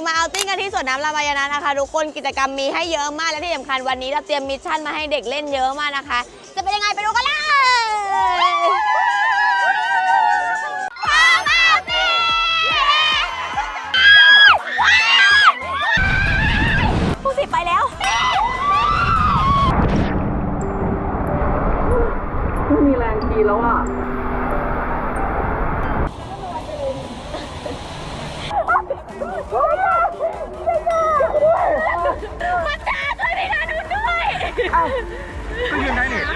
มาเอาติ้งกันที่สวนน้ำรามายณะนะคะทุกคนกิจกรรมมีให้เยอะมากและที่สำคัญวันนี้เราเตรียมมิชชั่นมาให้เด็กเล่นเยอะมากนะคะจะเป็นยังไงไปดูกันเลยผู้สิบไปแล้วไม่มีแรงทีแล้วอ่ะมาจ้าช่วยพี่นาดูด้วยก็ยืนได้เนี่ย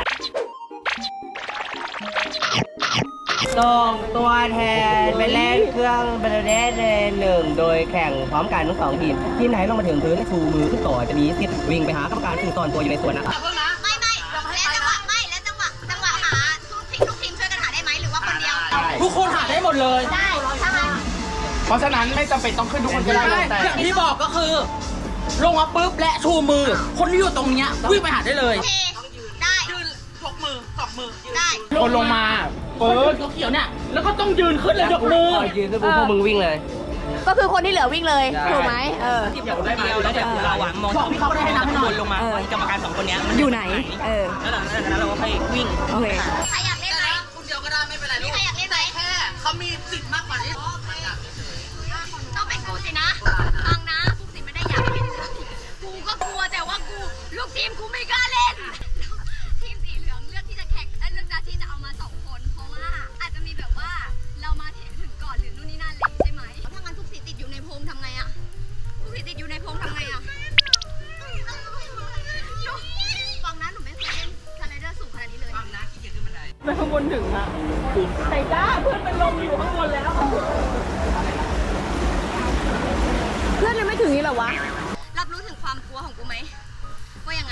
ส่งตัวแทนไปเล่นเครื่องบาลเดสหนึ่งโดยแข่งพร้อมกันทั้งสองทีมทีมไหนลงมาถึงพื้นชูมือขึ้นต่อจะมีสิทธิ์วิ่งไปหากรรมการซึ่งซ่อนตัวอยู่ในสวนนะครับไม่แล้วจังหวะหาทุกทีมช่วยกันหาได้ไหมหรือว่าคนเดียวทุกคนหาได้หมดเลยได้ใช่ไหมเพราะฉะนั้นไม่จำเป็นต้องขึ้นทุกคนก็ได้แต่อย่างที่บอกก็คือลงมาปุ๊บและชูมือคนที่อยู่ตรงเนี้ยวิ่งไปหาได้เลยได้ยืนยกมือสองมือได้คนลงมาเปิดเขียวเนี่ยแล้วก็ต้องยืนขึ้นเลยยกมือยืนขึ้นพวกมึงวิ่งเลยก็คือคนที่เหลือวิ่งเลยถูกไหมเดี๋ยวได้มาแล้วเดี๋ยวเราหวังมองพี่เขาได้ให้น้ำให้หน่อยลงมากรรมการสองคนนี้อยู่ไหนแล้วหลังจากนั้นเราก็ไปวิ่งโอเคใครอยากเล่นไหมคุณเดียวก็ได้ไม่เป็นไรใครอยากเล่นไหมแค่เขามีสิทธิ์มากกว่านี้ต้องเป็นกูสินะฟังนะกูสิไม่ได้อยากเล่นกูก็กลัวแต่ว่ากูลูกทีมกูไม่กล้าเล่นทีมสีเหลืองเลือกที่จะแข่งเลือกที่จะเอามา2 คนเพราะว่าอาจจะมีแบบว่าเรามาถึงก่อนหรือนู่นนี่นั่นเลยใช่ไหมถ้างั้นทุกสีติดอยู่ในพงทำไงอะทุกสีติดอยู่ในพงทำไงอะฟังนะหนูไม่เคยเล่นสไลเดอร์สูงขนาดนี้เลยฟังนะขี้เกียจขึ้นบันไดไปข้างบนถึงอะใส่จ้าเพื่อนเป็นลมอยู่ข้างบนแล้วเพื่อนยังไม่ถึงนี่หรอวะรับรู้ถึงความกลัวของกูไหมว่ายังไง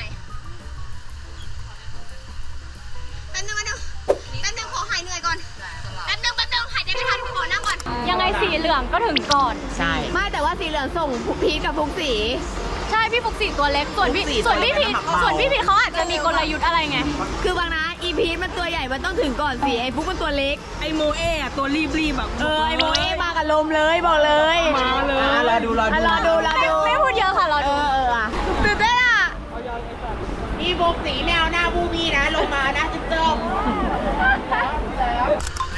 แป๊บนึงขอหายเหนื่อยก่อนแป๊บนึงหายใจไม่ทันขอนั่งก่อนยังไงสีเหลืองก็ถึงก่อนใช่ไม่แต่ว่าสีเหลืองส่งพีทกับพุกสีใช่พี่ฟุกสีตัวเล็กส่วนพี่พีเขาอาจจะมีกลยุทธ์อะไรไงคือบางนะอีพีทมันตัวใหญ่มันต้องถึงก่อนสิไอ้ฟุกมันตัวเล็กไอโมเอะตัวรีบแบบไอโมเอมากับลมเลยบอกเลยมาเลยรอดูไม่พูดเยอะค่ะรอดูตื่นเต้นอ่ะอีโบกสีแนวหน้าบูบีนะลงมานะจุ๊บแล้ว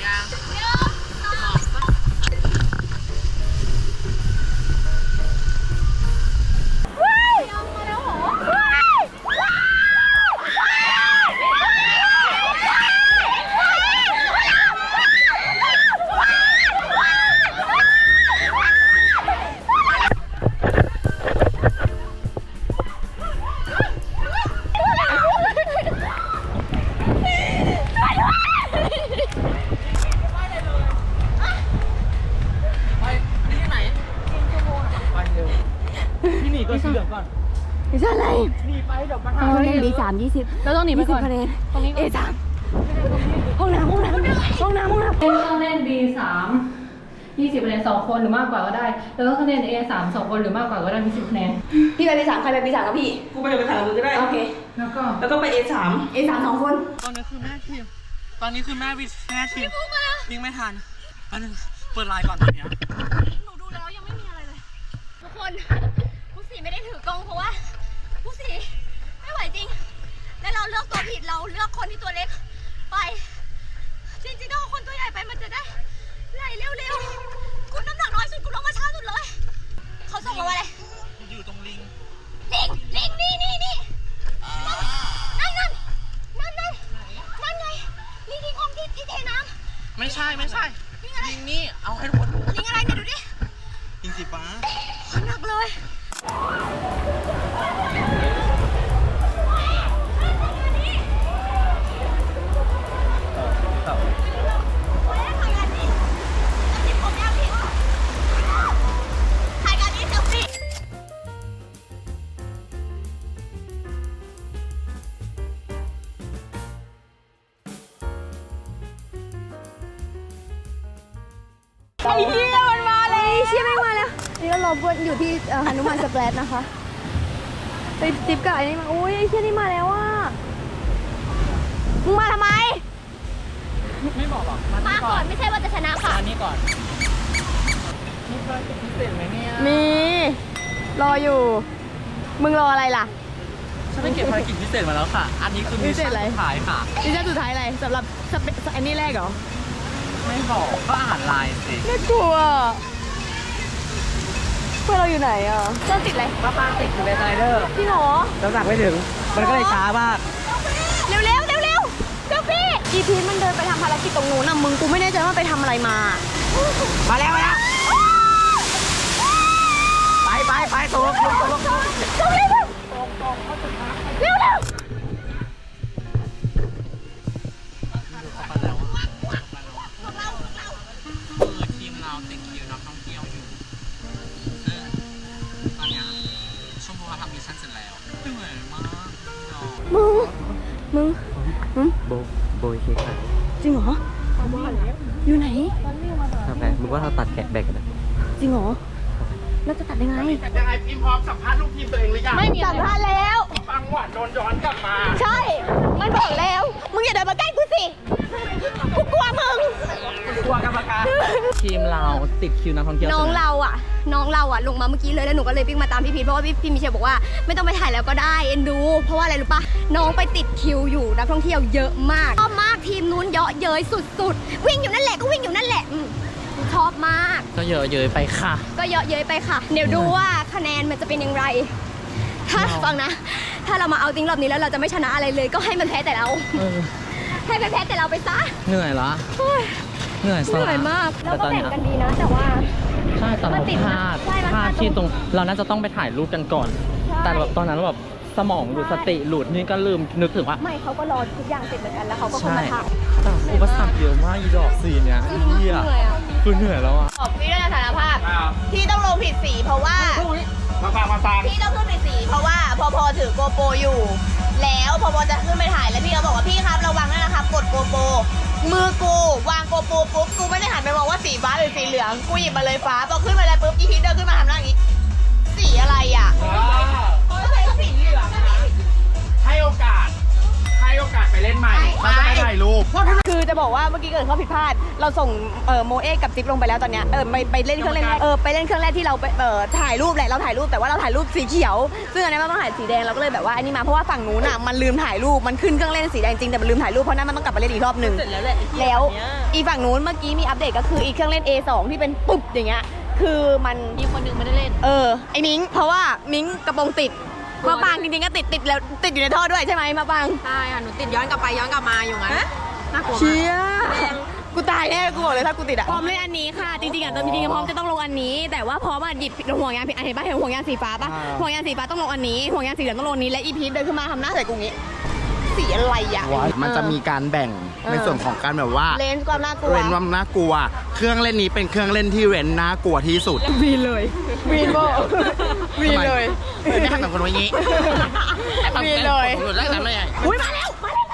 ก็เสือกก่อนไม่ใช่อะไรหนีไปเดี๋ยวปัญหา B3 20 เราต้องหนีไปก่อนคะแนนตรงนี้ A3 ห้องน้ำต้องเล่น B3 20คะแนน2 คนหรือมากกว่าก็ได้แล้วก็คะแนน A3 2 คนหรือมากกว่าก็ได้มี10 คะแนนพี่ไป B3 ใครไป B3 กับพี่กูไปกับB3 มึงก็ได้โอเคแล้วก็ไป A3 2 คนตอนนี้คือแม่ทีมวิ่งไม่ทันอันนึงเปิดไลน์ก่อนตอนนี้หนูดูแล้วยังไม่มีอะไรเลยทุกคนผู้สีไม่ได้ถือกล้องเพราะว่าผู้สีไม่ไหวจริงและเราเลือกตัวผิดเราเลือกคนที่ตัวเล็กไปจริงๆถ้าคนตัวใหญ่ไปมันจะได้ไหลเร็วๆกูน้ำหนักน้อยสุดกูลงมาช้าสุดเลยเขาส่งมาว่าอะไรอยู่ตรงลิงนี่นั่นไงลิงที่คลองที่เทน้ำไม่ใช่ลิงนี่เอาให้ทุกคนดูลิงอะไรเนี่ยดูดิลิงสีฟ้าหนักเลยไอ้เหี้ยมันมาเลยเชี่ยไม่มาแล้วนี่เราบนอยู่ที่หนุมานสแปรดนะคะไปจิ๊บกับไอ้นี่มาโอ้ยไอ้เชี่ยนี่มาแล้วอ่ะมึงมาทำไมไม่บอกหรอกมาก่อนไม่ใช่ว่าจะชนะค่ะมานี่ก่อนมีภารกิจพิเศษไหมเนี่ยมีรออยู่ มึงรออะไรล่ะฉันได้เก็บภารกิจพิเศษมาแล้วค่ะ อันนี้คือมิชชั่นสุดท้ายค่ะมิชชั่นสุดท้ายอะไรสำหรับอันนี้แรกเหรอไม่บอกก็อ่านไลน์สิน่ากลัวเพื่อนเราอยู่ไหนอ่ะเจ้าติดอะไรป้าป้าติดอยู่ในสไลเดอร์พี่หรอน้ำหนักไม่ถึง มันก็เลยช้ามากเร็วเร็วเร็วเร็วเจ้าพี่อีพีทมันเดินไปทำภารกิจตรงนู้นน่ะมึงกูไม่แน่ใจว่าไปทำอะไรมามาแล้วมาแล้วไปตกเร็วเร็วเร็วเร็วเร็วคือทีมเราติดคิวนักท่องเที่ยวอยู่ซึ่งตอนนี้ชมพูเขาทำมิชชั่นเสร็จแล้วเหนื่อยมากเนาะมึงโบยเค้กค่ะจริงเหรออยู่ไหนทำไงมึงว่าเราตัดแกะแบ่งกันนะจริงเหรอแล้วจะตัดยังไงยังไงพิมพ์พร้อมสัมภาษณ์ลูกทีมตัวเองหรือยังไม่มีสัมภาษณ์แล้วฟังหวานโดนย้อนกลับมาใช่ มันบอกแล้ว มึงอย่าเดินมาใกล้กูสิ กูกลัวมึงกลัวกรรมการทีมเราติดคิวนักท่องเที่ยวน้องเราอ่ะลงมาเมื่อกี้เลยแล้วหนูก็เลยวิ่งมาตามพี่พีทเพราะว่าพี่มิเชลบอกว่าไม่ต้องไปถ่ายแล้วก็ได้เอ็นดู เพราะว่าอะไรรู้ปะน้องไปติดคิวอยู่นักท่องเที่ยวเยอะมากชอบมากทีมนู้นเยอะเย้ยสุดๆ วิ่งอยู่นั่นแหละก็วิ่งอยู่นั่นแหละชอบมากก็เยอะเย้ยไปค่ะก็เยอะเย้ยไปค่ะ เดี๋ยวดูว่าคะแนนมันจะเป็นอย่างไร ถ้าฟังนะ ถ้าเรามาเอาจริงรอบนี้แล้วเราจะไม่ชนะอะไรเลย ก็ให้มันแพ้แต่เรา ให้มันแพ้แต่เราไปซะเหนื่อยละโอ้ยเหนื่อยเหนื่อยมากแล้วก็แบ่งกันดีนะ แต่ว่าใช่แต่เรามันติดพนะลาดใช่มันพลาดพลาดที่ตรงเราน่าจะต้องไปถ่ายรูปกันก่อนใช่แต่แบบตอนนั้นแบบสมองหลุดสติหลุดนี่ก็ลืมนึกถึงว่าไม่เขาก็รอทุกอย่างเสร็จเหมือนกันแล้วเขาก็คงใช่มาถ่ายแต่อุปสรรคเยอะมากอีดอกสีเนี้ยเหี้ยเหนื่อยอ่ะคือเหนื่อยแล้วอ่ะพี่ด้วยสารภาพที่ต้องลงผิดสีเพราะว่ามาฟังพี่ต้องขึ้นผิดสีเพราะว่าพอถือโกโปรอยู่ แล้วพอจะขึ้นไปถ่ายแล้วพี่เขาบอกว่าพี่ครับระวังด้วยนะครับกดโกโปรมือกูวางโกโปรปุ๊บกูไม่ได้หันไปมองว่าสีฟ้าหรือสีเหลืองกูหยิบมาเลยฟ้าพอขึ้นมาแล้วปุ๊บอีพีทเดินขึ้นมาทำหน้าอย่างนี้สีอะไรอ่ะก็สีเหลืองให้โอกาสไปเล่นใหม่เขาจะได้ถ่ายรูปคือจะบอกว่าเมื่อกี้เกิดข้อผิดพลาด เราส่งโมเอะกับจิ๊บลงไปแล้วตอนเนี้ยไปเล่นเครื่องเล่นไปเล่นเครื่องแรกที่เราไปถ่ายรูปแหละเราถ่ายรูปแต่ว่าเราถ่ายรูปสีเขียว ซึ่งอันนี้มันต้องถ่ายสีแดงเราก็เลยแบบว่าอันนี้มาเพราะว่าฝั่งนู้นอ่ะมันลืมถ่ายรูปมันขึ้นเครื่องเล่นสีแดงจริงแต่มันลืมถ่ายรูปเพราะนั้นมันต้องกลับไปเล่นอีกรอบหนึ่งแล้วอีฝั่งนู้นเมื่อกี้มีอัปเดตก็คืออีเครื่องเล่น A2 ที่เป็นปุ๊บอย่างเงี้ยคือมันมีคนนึงไม่ได้เล่นไอ้มิ้งเพราะว่ามิ้งกระโปรงติดมาปางจริงๆก็ติดแล้วติดอยู่ในท่อด้วยใช่ไหมมาปางใช่ค่ะหนูติดย้อนกลับไปย้อนกลับมาอยู่งั้นน่ากลัวเชี่มากยกูตายแน่กูบอกเลยถ้ากูติดอะพร้อมเล่นอันนี้ค่ะ จริงๆอ่ะจริงๆพร้อมจะต้องลงอันนี้ แต่ว่าพร้อมอ่ะหยิบห่วงยางผิดอันเห็นป่ะเห็นห่วงยางสีฟ้าป่ะห่วงยางสีฟ้าต้องลงอันนี้ห่วงยางสีเหลืองต้องลงอันนี้และอีพีทเดินขึ้นมาทำหน้าใส่กูงี้สีอะไรอ่ะมันจะมีการแบ่งในส่วนของการแบบว่าเลนส์ความน่ากลัวเว้นว่าน่ากลัว เครื่องเล่นนี้เป็นเครื่องเล่นที่เว้นน่ากลัวที่สุดวีนเลยวีนโบวีนเลยไม่ทำกับคนอย่างนี้วีนเลยผมหลุดได้แต่ไม่ใหญ่อุ้ยมาแล้ว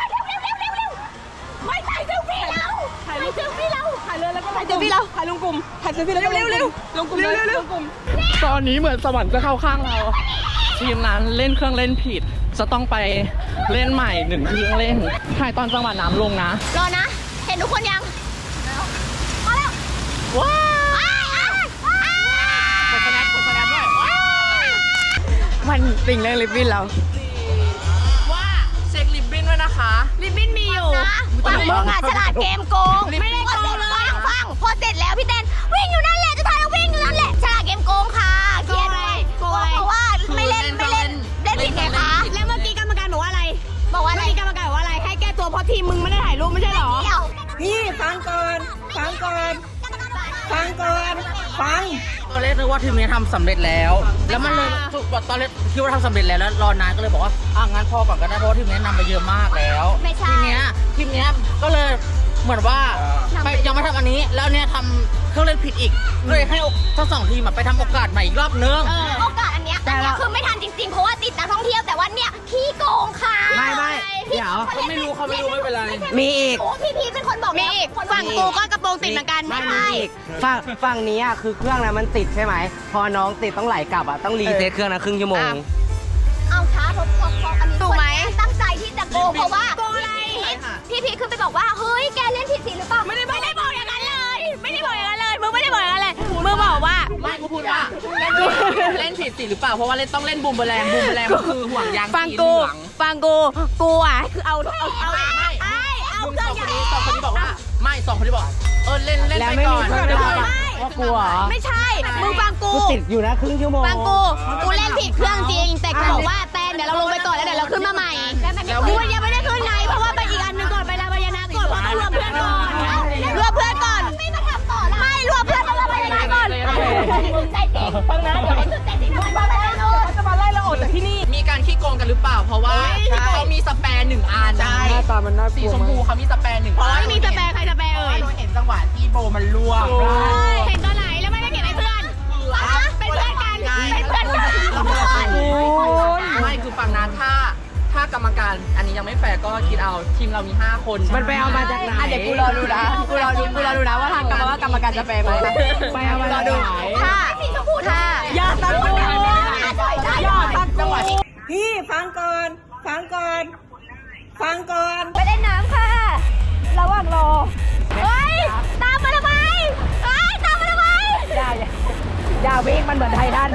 ไม่ถ่ายเซลฟี่เราถ่ายเซลฟี่เราถ่ายเลยแล้วก็ถ่ายเซลฟี่เราถ่ายลงกลุ่มถ่ายเซลฟี่แล้วเร็วลงกลุ่มเร็วลงกลุ่มตอนนี้เหมือนสวรรค์จะเข้าข้างเรา ทีมนั้นเล่นเครื่องเล่นผิด จะต้องไปเล่นใหม่หนึ่งเครื่องเล่นถ่ายตอนจังหวะน้ำลงนะรอนะ เห็นทุกคนยังมาแล้วว้าวกดสแนปด้วยมันติ่งเรื่องลิปบิ้นเราว่าเช็คลิปบิ้นด้วยนะคะลิปบิ้นมีอยู่ฝั่งมึงอ่ะฉลาดเกมโกงไม่ได้โกงเลยฟังพอเสร็จแล้วพี่เต้นวิ่งอยู่นั่นแหละจะทายวิ่งอยู่นั่นแหละฉลาดเกมโกงค่ะเครียดไหมโกงเพราะว่าไม่เล่นผิดไงคะแล้วเมื่อกี้กรรมการบอกว่าอะไรเมื่อกี้กรรมการบอกว่าอะไรให้แก้ตัวเพราะทีมมึงไม่ได้ถ่ายรูปไม่ใช่หรอนี่ฟังก่อนฟังตอนแรกนึกว่าทีมนี้ทำสำเร็จแล้ว แล้วมันเลยตอนแรกคิดว่าทำสำเร็จแล้วแล้วรอนานก็เลยบอกว่างั้นพอก่อนก็ได้เพราะว่าทีมนี้นำไปเยอะมากแล้วไม่ใช่ทีเนี้ยก็เลยเหมือนว่ายังไม่ทำอันนี้แล้วเนี่ยทำเครื่องเล่นผิดอีกเลยให้ทั้งสองทีมไปทำโอกาสใหม่อีกรอบนึงโอกาสอันเนี้ยคือไม่ทันจริงๆเพราะว่าติดนักท่องเที่ยวแต่ว่าเนี่ยพี่โกงค่ะไม่เดี๋ยวเขาไม่รู้ไม่เป็นไรมีอีกโอ้พี่พีเป็นคนบอกมีอีกฝั่งกูก็กระโปรงติดเหมือนกันไม่ใช่ฝั่งนี้อ่ะคือเครื่องนั้นมันติดใช่ไหม พอน้องติดต้องไหลกลับอ่ะต้องรีเซ็ตเครื่องนะครึ่งชั่วโมงเอาช้าเพราะอันนี้ถูกไหมตั้งใจที่จะโกงเพราะว่าโกงอะไรพี่พีขึ้นไปบอกว่าเฮ้ยแกเล่นผิดสีหรือเปล่าไม่ได้บอกอย่างนั้นเลยไม่ได้บอกอย่างนั้นเลยมึงไม่ได้บอกอย่างนั้นเลยมึงบอกว่าไม่กูพูดว่าเล่นผิดผิดสิหรือเปล่าเพราะว่าเล่นต้องเล่นบูมเบอร์แรงก็คือห่วงยางฟังสีกูเหลืองฟังกูอ่ะคือเอามึงเครื่สออง งใหคญ่นนี้บอกว่าไม่สองคนนี้บอกเล่นแล้วไปไม่ก่มีอนเพื่อนเล่นมาไปก่อนว่ากลัวเหรอไม่ใช่ มึงฟังกูกูติดอยู่นะครึ่งชั่วโมงฟังกูเล่นผิดเครื่องจริง แต่กูบอกว่าแตนเดี๋ยวเราลงไปก่อนแล้วเดี๋ยวเราขึ้นมาใหม่กูยังไม่ได้ขึ้นไงเพราะว่าไปอีกอันหนึงก่อนไปลาบายานาก่อนเพราะต้องรวมเพื่อนก่อนรวมเพื่อนก่อนไม่มาทำต่อละไม่รวมเพื่อนต้องลาบายานาก่อนใจจริงฟังนะเดี๋ยวให้สุดใจจริงด้วยมาแล้วจะมาไล่เราออกจากที่นี่มีการขี้โกงกันหรือเปล่าเพราะว่าเขามีสแปร์1 อันหน้าตามันน่ากลัวสีชมพูเขามีสแปร์1 อันไม่มีสแปรใครสแปรเอ่ยหนูเห็นจังหวะที่โบมันล่วงเห็นตอนไหนแล้วไม่เก็บให้เพื่อนเป็นเพื่อนกันเป็นเพื่อนกันไม่คือฟังนะถ้ากรรมการอันนี้ยังไม่แฟร์ก็คิดเอาทีมเรามี5 คนมันไปเอามาจากไหนเดี๋ยวกูรอดูนะว่าทางกรรมการจะแปลไหมไปเอามาจากไหนถ้าอย่าตัดกูอย่าตัดกูพี่ฟังก่อน ฟังก่อน ฟังก่อนไปเล่นน้ำค่ะ ระหว่างรอ เฮ้ย ตามมาทำไม เฮ้ย ตามมาทำไมอย่าวิ่งมันเหมือนไททัน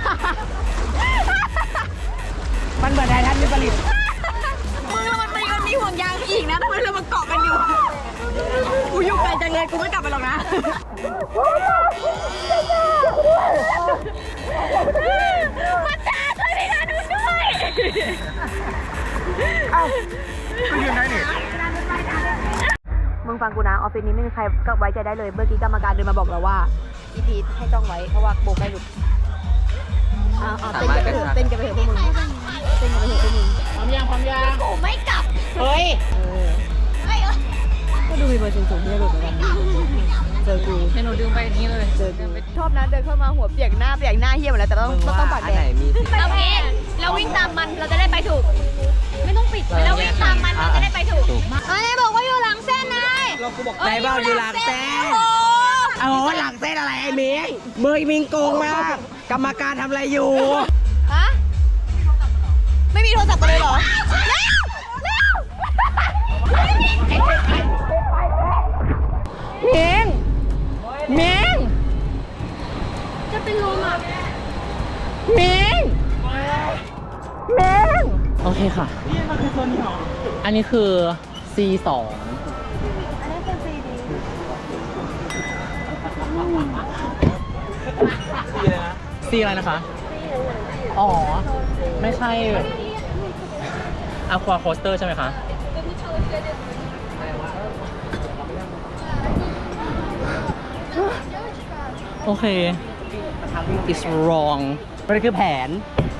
มันเหมือนไททันวิปริตมึงแล้วมันมีห่วงยางอีกนะทำไมเรามาเกาะกันอยู่ กูอยู่ไกลจังเลยกูไม่กลับไปหรอกนะมาจ้าช่วยพี่นาดูด้วยมึงฟังกูนะออฟฟิศนี้ไม่มีใครก็ไว้ใจได้เลย เมื่อกี้กรรมการเดินมาบอกเราว่าอีพีทให้จ้องไว้เพราะว่าโบใกล้หลุดเต้นกันไปเถอะเต้นกันไปเถอะพวกมึงเต้นกันไปเถอะพวกมึงพร้อมยังกูไม่กลับเฮ้ยไม่เออก็ดูมีเบอร์สูงๆที่จะหลุดเหมือนกันเจอกูให้หนูดึงไปอย่างนี้เลยเจอกูชอบนะเดินเข้ามาหัวเปียกหน้าเหี้ยหมดแล้วแต่ต้องปากแดงเราพีทเราวิ่งตามมันเราจะได้ไปถูก ไม่ต้องปิดเราวิ่งตามมันเราจะได้ไปถูกเอ้ยบอกว่าอยู่หลังเส้นนายไหนบอกอยู่หลังเส้นโอ้เอาหลังเส้นอะไรไอ้มิงมิงโกงมาก กรรมการทำอะไรอยู่ฮะไม่มีโทรศัพท์กันเลยเหรอ เมงเมงจะเป็นลมอ่ะเมงเมงโอเคค่ะอันนี้คือ C2 C อะไรนะคะ อ๋อ ไม่ใช่ Aqua Coaster ใช่ไหมคะ โอเค it's wrong มันคือแผน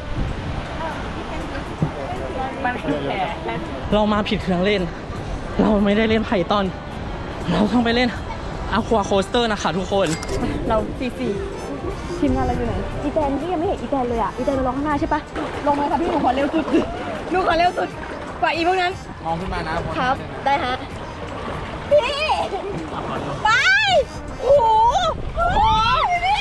เรามาผิดเครื่องเล่น เราไม่ได้เล่นไพทอน เราต้องไปเล่น Aqua Coaster นะคะทุกคนเราทีมงานเราอยู่ไหน อีแตนที่ยังไม่เห็นอีแตนเลยอ่ะ อีแตนเราลงข้างหน้าใช่ปะลงมาค่ะพี่หนูขอเร็วสุดหนูขอเร็วสุดกว่าอีพวกนั้นมองขึ้นมานะครับได้ฮะ พี่ ไป โอ้โหโอ้โหพี่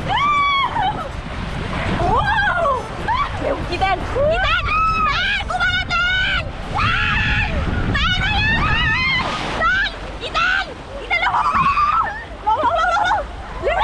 โอ้โหเร็วอีแตนอีแตนกูมาแล้วแตนแตนมาแล้วแตนอีแตนเร็วลงเร็ว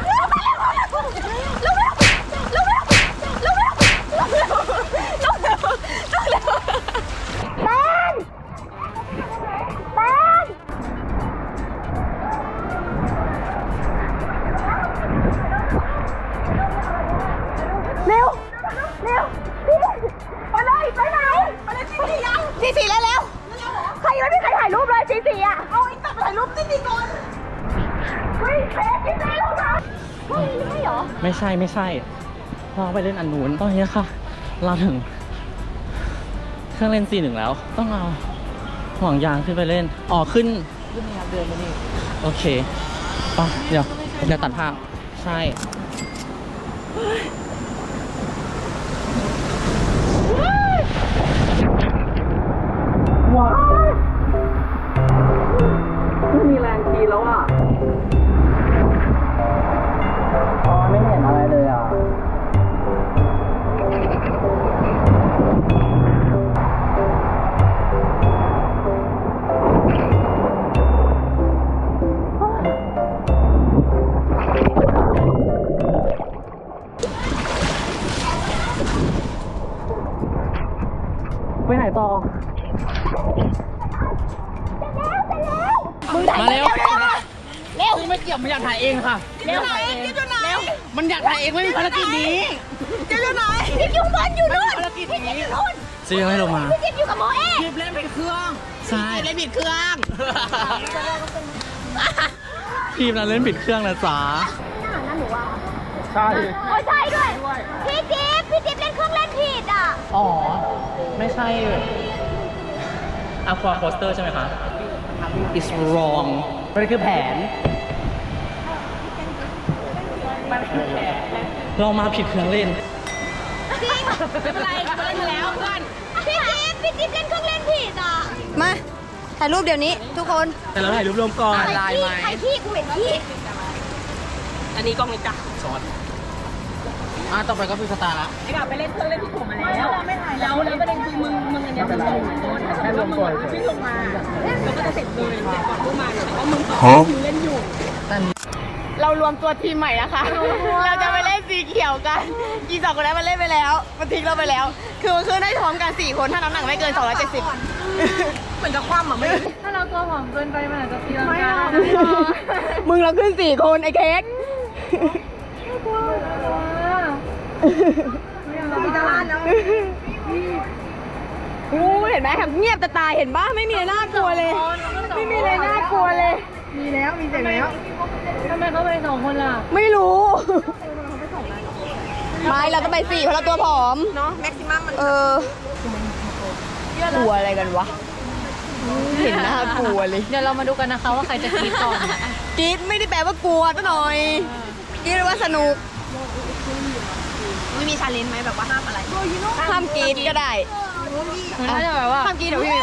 สีแล้วใครยังไม่มีใครถ่ายรูปเลยสีอ่ะ เอาอีกตัดถ่ายรูปสีก่อนเฮ้ยเฟซสีแล้วนะเฮ้ยไม่เหรอไม่ใช่ เราไปเล่นอันนู้นตอนนี้ค่ะ เราถึง เครื่องเล่น C1 แล้ว ต้องเอาห่วงยางขึ้นไปเล่น ขึ้นเดินมานี่ โอเคไปเดี๋ยวตัดภาพ ใช่ ไม่มีแรงทีแล้วอ่ะไม่เห็นอะไรเลยอ่ะไปไหนต่อ มาเร็วเร็วไม่เกี่ยวมันอยากถ่ายเองค่ะเร็วกิ๊บอยู่ไหนมันอยากถ่ายเองไม่มีภารกิจนี้กิ๊บอยู่ไหนกิ๊บอยู่บนอยู่นู่นภารกิจนี้อยู่นู่นซียังไม่ลงมากิ๊บอยู่กับโมเอะคลิปเล่นเป็นเครื่อง ใช่เล่นผิดเครื่อง ทีมนั้นเล่นผิดเครื่องนะจ๊ะ ใช่โอ้ยใช่ด้วย พี่จิ๊บเล่นเครื่องเล่นผิดอ่ะอ๋อ ไม่ใช่Aqua Coaster ใช่ไหมคะ It's wrong มันคือแผน เรามาผิดเครื่องเล่นจริงไม่เป็นไรกูเล่นมาแล้วเพื่อนพี่จิ๊บเล่นเครื่องเล่นผิดอ่ะ มาถ่ายรูปเดี๋ยวนี้ทุกคนแต่เราถ่ายรูปรวมก่อนใครขี้กูเห็นขี้อันนี้กล้องนี้จ้ะต่อไปก็คือสตาร์ละไอ้กลับไปเล่นเครื่องเล่นที่ผมมาแล้วแล้วประเด็นคือมึงอันเนี้ยเป็นโดนแค่ลงก่อนที่ลงมาแล้วก็จะเสร็จเลยเสร็จก่อนพวกมาเนี่ยแต่ว่ามึงต่อคิวเล่นอยู่เรารวมตัวทีมใหม่นะคะ เราจะไปเล่นสีเขียวกันอีสองคนนั้นมันเล่นไปแล้ว มันทิ้งเราไปแล้ว คือมันขึ้นได้พร้อมกัน4 คนถ้าน้ำหนักไม่เกิน 270 เหมือนจะคว่ำอ่ะไม่ถ้าเราตัวผอมเกินไปมันอาจจะตีลังกามึงเราขึ้น4 คนไอ้เค้กมีตลาดแล้วอู้เห็นไหมแถมเงียบแต่ตายเห็นปะไม่มีอะไรน่ากลัวเลย ไม่มีอะไรน่ากลัวเลยมีแล้วมีเสียงแล้วทำไมเขาไป2 คนล่ะไม่รู้ ไม่เราต้องไป4เพราะเราตัวผอมเนาะแม็กซิมัมมันกลัวอะไรกันวะ เห็นน่ากลัวเลยเดี๋ยวเรามาดูกันนะคะว่าใครจะกรีดก่อนกรี๊ดไม่ได้แปลว่ากลัวซะหน่อยกรี๊ดว่าสนุกไม่มีชาเลนจ์ไหมแบบว่าห้ามอะไรห้ามกรี๊ดก็ได้มันก็จะแบบว่าห้ามกรี๊ดเดี๋ยวพี่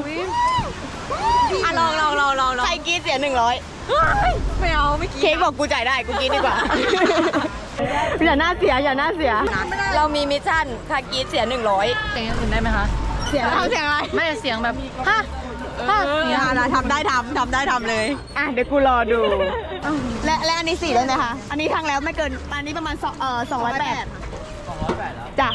อ่ะลองใครกรี๊ดเสีย100ไม่เอาไม่กรี๊ดเค้กบอกกูจ่ายได้กูกรี๊ดดีกว่า อย่าหน้าเสียเรามีมิชชั่นถ้ากรี๊ดเสีย100 เสียงอย่างอื่นได้ไหมคะเสียทำเสียงอะไรไม่เสียงแบบฮะทำได้เลยอ่ะเดี๋ยวกูรอดู และอันนี้4ได้ไหมคะอันนี้ทั้งแล้วไม่เกินอันนี้ประมาณ208จ้ะ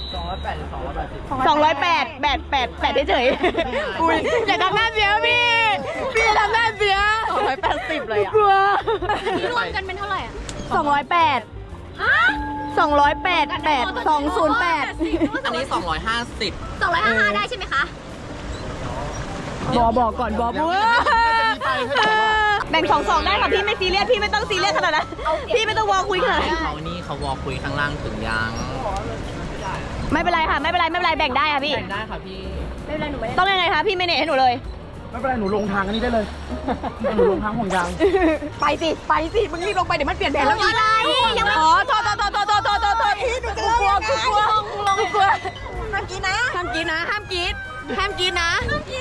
208เฉยๆอุ้ยอย่าทำหน้าเสียพี่อย่าทำหน้าเสีย280เลยอ่ะกลัวนี่รวมกันเป็นเท่าไหร่อ่ะ 208 208 อันนี้ 250 255ได้ใช่ไหมคะบอกก่อนบอกแบ่ง2ได้ค่ะพี่ไม่ซีเรียสพี่ไม่ต้องซีเรียสขนาดนั้นพี่ไม่ต้องวอลคุยขนาดนั้นเขานี่เขาวอลคุยข้างล่างถึงยังไม่เป็นไรค่ะไม่เป็นไรแบ่งได้ค่ะพี่แบ่งได้ค่ะพี่ต้องยังไงคะพี่ไม่เนตให้หนูเลยไม่เป็นไร หนูลงทางอันนี้ได้เลย หนูลงทางห่วงยางไปสิมึงรีบลงไปเดี๋ยวมันเปลี่ยนแผนแล้วอีกยังไม่อ๋อโทษพี่หนูจะกลัวเมื่อกี้นะห้ามกรีดนะห้ามกรีดหรอห้ามกรีดแล้ว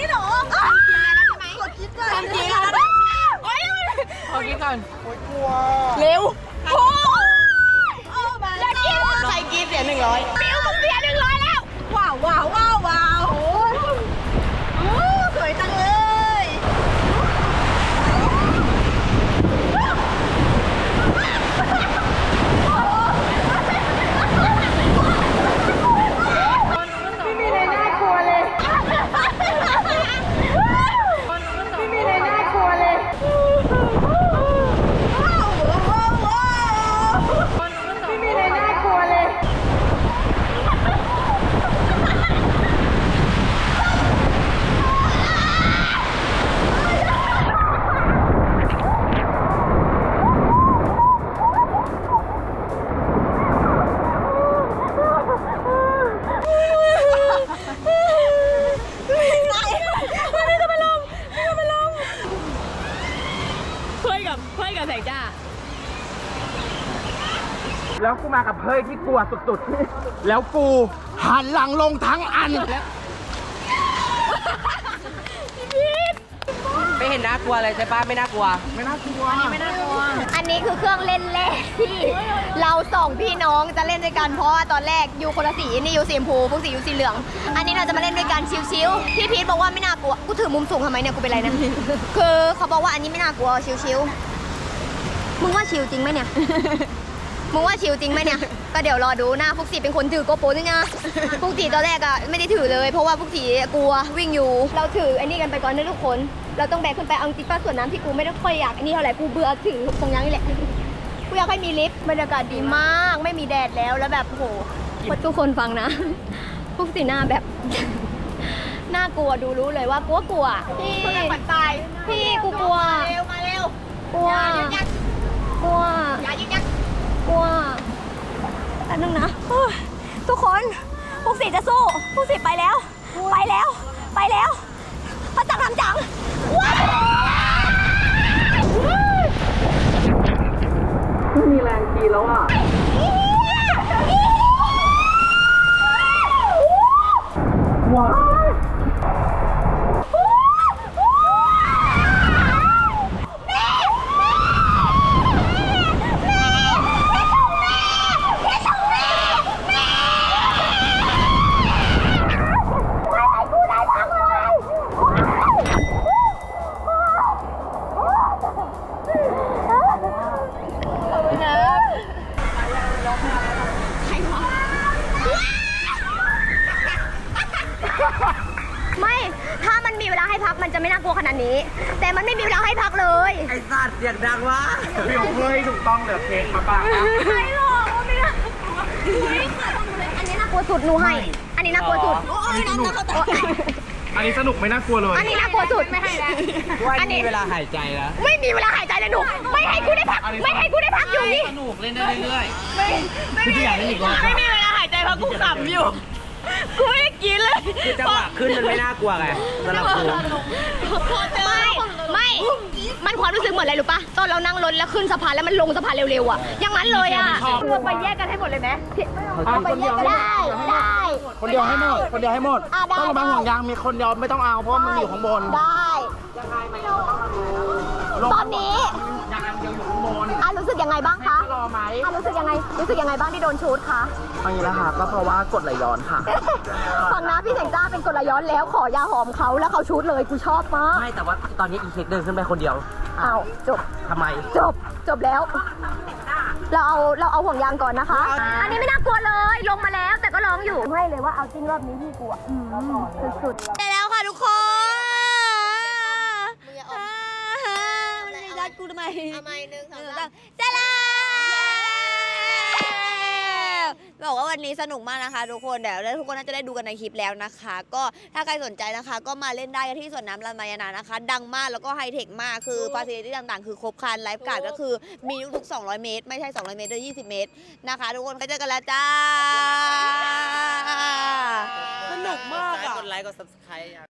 นะโอ๊ยเอางี้ก่อนเร็วโอ้อย่ากรีดใครกรีดเสีย100มิวมึงเสีย100แล้วว้าวสวยจังเลยไม่มีอะไรน่ากลัวเลยเพื่อนกับแสงจ้าแล้วกูมากับเฮ้ยที่กลัวสุดๆ แล้วกูหันหลังลงทั้งอันไม่เห็นน่ากลัวเลยใช่ปะไม่น่ากลัวอันนี้คือเครื่องเล่นแรกที่เรา2พี่น้องจะเล่นด้วยกันเพราะว่าตอนแรกยูคนละสีนี่ยูสีชมพูพวกสียูสีเหลือง อันนี้เราจะมาเล่นด้วยกันชิวๆพี่พีทบอกว่าไม่น่ากลัวกูถือมุมสูงทำไมเนี่ยกูเป็นไรนะ คือเขาบอกว่าอันนี้ไม่น่ากลัวชิวๆมึงว่าชิวจริงไหมเนี่ยมึงว่าชิวจริงไหมเนี่ย ก็เดี๋ยวรอดูนะพวกสีเป็นคนถือโกโปรนี่นะพวกสีตอนแรกอะไม่ได้ถือเลย เพราะว่าพวกสีกลัววิ่งอยู่ เราถือไอ้นี่กันไปก่อนนะทุกคน เราต้องแบกขึ้นไปเอาจริงป้าส่วนน้ำที่กูไม่ได้ค่อยอยากไอ้นี่เท่าไหร่กูเบื่อถือตรงยังนี่แหละกูอยากให้มีลิฟต์บรรยากาศดีมากไม่มีแดดแล้วแล้วแบบโอ้โหทุกคนฟังนะ พวกสีหน้าแบบ น่ากลัวดูรู้เลยว่ากลัวพี่พี่กูกลัวมาเร็วกลัวกลัวอย่ายิงยักกลัวอันนึงนะทุกคนพวกสีจะสู้พวกสีไปแล้วพระจังทำจังว้าวมีแรงกีแล้วอ่ะว้าวไม่ถ้ามันมีเวลาให้พักมันจะไม่น่ากลัวขนาดนี้ แต่มันไม่มีเวลาให้พักเลยไอ้สัตว์เสียงดังวะพี่ของเฮ้ยถูกต้องเหลือเพลงมาป่ะไม่หรอกไม่ได้อันนี้น่ากลัวสุดหนูให้อันนี้น่ากลัวสุดอันนี้สนุกไม่น่ากลัวเลยอันนี้น่ากลัวสุดไม่ให้แล้วอันนี้เวลาหายใจแล้วไม่มีเวลาหายใจเลยหนูไม่ให้กูได้พักไม่ให้กูได้พักอยู่นี่สนุกเล่นได้เรื่อยไม่มีเวลาหายใจเพราะกูขำอยู่กูไม่ได้กินเลยคือจังหวะขึ้นมันไม่น่ากลัวไงสำหรับกูไม่มันความรู้สึกเหมือนอะไรรู้ปะตอนเรานั่งรถแล้วขึ้นสะพานแล้วมันลงสะพานเร็วๆอ่ะอย่างนั้นเลยอ่ะเราไปแยกกันให้หมดเลยไหมเอาไปแยกกันได้คนเดียวให้หมด คนเดียวให้หมดได้ต้องระบายห่วงยางมีคนเดียวไม่ต้องเอาเพราะว่ามันอยู่ข้างบนได้ตอนนี้ยางเดียวอยู่ข้างบนรู้สึกยังไงบ้างคะรอไหมรู้สึกยังไงบ้างที่โดนชูดคะเอางี้ละค่ะก็เพราะว่ากดไหลย้อนค่ะฝั่งน้าพี่เสงจ้าเป็นกลย้อนแล้วขอยาหอมเขาแล้วเขาชูดเลยกูชอบมากไม่แต่ว่าตอนนี้อีเค้กเดินขึ้นไปคนเดียวอ้าวจบทำไมจบแล้ว เราเอาห่วงยางก่อนนะคะ อันนี้ไม่น่ากลัวเลยลงมาแล้วแต่ก็ร้องอยู่ให้เลยว่าเอาจริงรอบนี้พี่กลัวสุดๆได้แล้วค่ะทุกคนมันไม่รัดกูทำไมทำไม1 2 3ได้แล้วบอกว่าวันนี้สนุกมากนะคะทุกคนเดี๋ยวทุกคนน่าจะได้ดูกันในคลิปแล้วนะคะ ก็ถ้าใครสนใจนะคะ ก็มาเล่นได้ที่สวนน้ำลานมายานานะคะ ดังมากแล้วก็ไฮเทคมากคือฟาซิลิตี้ต่างๆคือครบครันไลฟ์การ์ดก็คือมีทุกๆ200 เมตรไม่ใช่200 เมตรด้วย20 เมตรนะคะทุกคนก็เจอกันแล้วจ้าสนุกมากกดไลค์กด subscribe